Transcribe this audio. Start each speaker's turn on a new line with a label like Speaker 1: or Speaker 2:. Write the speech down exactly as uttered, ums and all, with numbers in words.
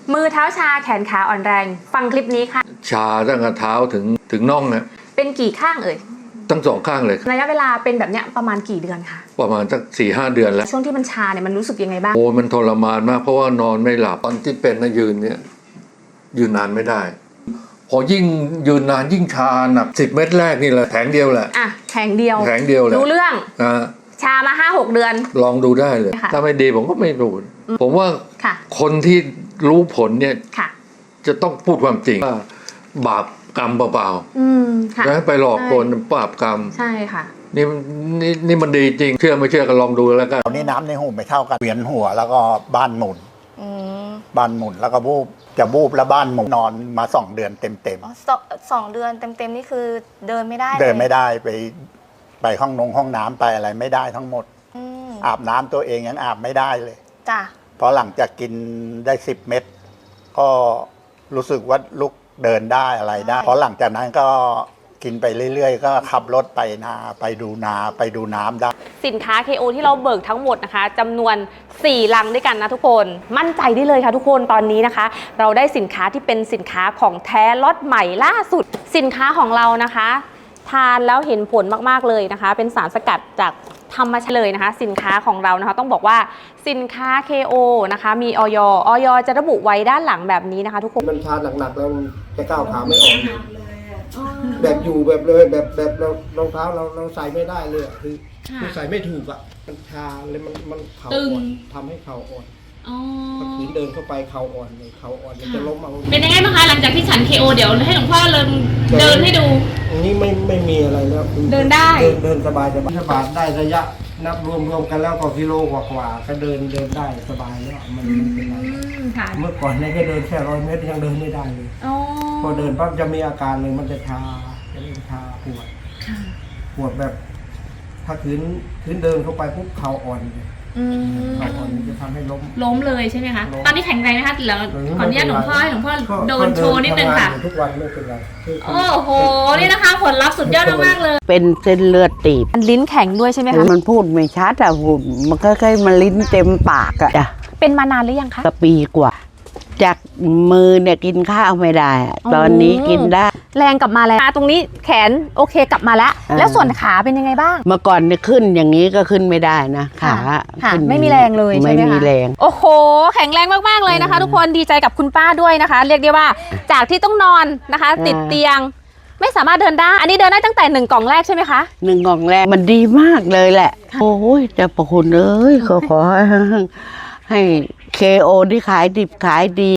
Speaker 1: มือเท้าชาแขนขาอ่อนแรงฟังคลิปนี้ค่ะ
Speaker 2: ชาตั้งแต่เท้าถึงถึงน่องนะ
Speaker 1: เป็นกี่ข้างเอ่ย
Speaker 2: ทั้งสองข้างเลย
Speaker 1: ระยะเวลาเป็นแบบเนี้ยประมาณกี่เดือนคะ
Speaker 2: ประมาณสักสี่ห้าเดือนแล้ว
Speaker 1: ช่วงที่มันชาเนี่ยมันรู้สึกยังไงบ้าง
Speaker 2: โอ้มันทรมานมากเพราะว่านอนไม่หลับตอนที่เป็นนะยืนเนี่ยยืนนานไม่ได้พอยิ่งยืนนานยิ่งชาหนักสิบเม็ดแรกนี่แหละแผงเดียวแหละ
Speaker 1: อ่ะแผงเดียว
Speaker 2: แผงเดียวแหละ
Speaker 1: รู้เรื่อง
Speaker 2: อ่า
Speaker 1: ชามาห้าหกเดือน
Speaker 2: ลองดูได้เลยถ้าไม่ดีผมก็ไม่รู้ผมว่าคนที่รู้ผลเนี่ยจะต้องพูดความจริงว่าบาปกรรมเปล่าๆแล้วไปหลอกคนบาปกรรม
Speaker 1: ใช่ค่ะ
Speaker 2: นี่นี่นี่มันดีจริงเชื่อไม่เชื่อก็ลองดูแล้วกัน
Speaker 3: ตอนนี้น้ำในหูไม่เท่ากันเวียนหัวแล้วก็บ้านหมุนบ้านหมุนแล้วก็บูบจะบูบแล้วบ้านหมุนนอนมาสองเดือนเต็มเต็ม
Speaker 4: สองเดือนเต็มเต็มนี่คือเดินไม่ได้
Speaker 3: เดินไม่ได้ไปไปห้องนงห้องน้ำไปอะไรไม่ได้ทั้งหมดอาบน้ำตัวเองยังอาบไม่ได้เลย
Speaker 4: จ้ะ
Speaker 3: เพราะหลังจากกินได้สิบเม็ดก็รู้สึกว่าลุกเดินได้อะไรได้เพราะหลังจากนั้นก็กินไปเรื่อยๆก็ขับรถไปนาไปดูนาไปดูน้ำได้
Speaker 1: สินค้า เค โอ ที่เราเบิกทั้งหมดนะคะจำนวนสี่ลังด้วยกันนะทุกคนมั่นใจได้เลยค่ะทุกคนตอนนี้นะคะเราได้สินค้าที่เป็นสินค้าของแท้ล็อตใหม่ล่าสุดสินค้าของเรานะคะทานแล้วเห็นผลมากๆเลยนะคะเป็นสารสกัดจากธรรมชาติเลยนะคะสินค้าของเรานะคะต้องบอกว่าสินค้า เค โอ นะคะมีออย ออยจะระบุไว้ด้านหลังแบบนี้นะคะทุกคน
Speaker 5: มันทานหนักๆแล้วจะก้าวขาไม่ออกแบบอยู่แบบเลยแบบแบบเรารองเท้าเราเราใส่ไม่ได้เลยคือคือใส่ไม่ถูกอ่ะมันชาเลยมันมันเข่าอ่อนทำให้เข่าอ่อนถ้าขืนเดินเข้าไปเข่าอ่อนเลยเข่าอ่อนมันจะล้มเอา
Speaker 1: เป็นยังไงบ้างคะหลังจากที่ฉัน เค โอ เดี๋ยวให้หลวงพ่อเดินเดินให้ดู
Speaker 5: อันนี้ไม่ไม่มีอะไรแล้ว
Speaker 1: เดินได้
Speaker 5: เดินเดินสบายสบายสบายได้ระยะนับรวมรวมกันแล้วก็กิโลกว่าๆก็เดินเดินได้สบายแล้วมันไม่เป็นไรเมื่อก่อนเนี่ยก็เดินแค่ร้อยเมตรยังเดินไม่ได้เลยพอเดินปั๊บจะมีอาการเลยมันจะชาจะเริ่มชาปวดปวดแบบถ้าขืนขืนเดินเข้าไปปุ๊บเข่าอ่อนเลยเข่าอ่อนมันจะทำให้ล้ม
Speaker 1: ล้มเลยใช่ไหมคะตอนนี้แข็งแรงนะคะแล้วขออนุญาตหลวงพ่อให้หลวงพ่อโดนโชว์นิดนึงค่ะ
Speaker 5: ทุกวันไม่เป็นไร
Speaker 1: โอ้โหนี่นะคะผลลัพธ์สุดยอดมากเลย
Speaker 6: เป็นเส้นเลือดตีบ
Speaker 1: มันลิ้นแข็งด้วยใช่ไหมคะ
Speaker 6: มันพูดไม่ชัดอะพูดมันค่อยๆมันลิ้นเต็มปากอะจ้ะ
Speaker 1: เป็นมานานหรือยังคะ
Speaker 6: ปีกว่าจากมือเนี่ยกินข้าวไม่ได้ตอนนี้กินได้
Speaker 1: แรงกลับมาแล้วตรงนี้แขนโอเคกลับมาแล้วแล้วส่วนขาเป็นยังไงบ้าง
Speaker 6: เมื่อก่อนเนี่ยขึ้นอย่างนี้ก็ขึ้นไม่ได้นะขา
Speaker 1: ไม่มีแรงเลยใช่ไหมคะ
Speaker 6: ไม่มีแรง
Speaker 1: โอ้โหแข็งแรงมากๆเลยนะคะทุกคนดีใจกับคุณป้าด้วยนะคะเรียกได้ว่าจากที่ต้องนอนนะคะติดเตียงไม่สามารถเดินได้อันนี้เดินได้ตั้งแต่หนึ่งกล่องแรกใช่ไหมคะ
Speaker 6: หนึ่งกล่องแรกมันดีมากเลยแหละโอ้ยแต่ประคุณเอ้ยขอขอให้ให้เค โอ ที่ขายดิบขายดี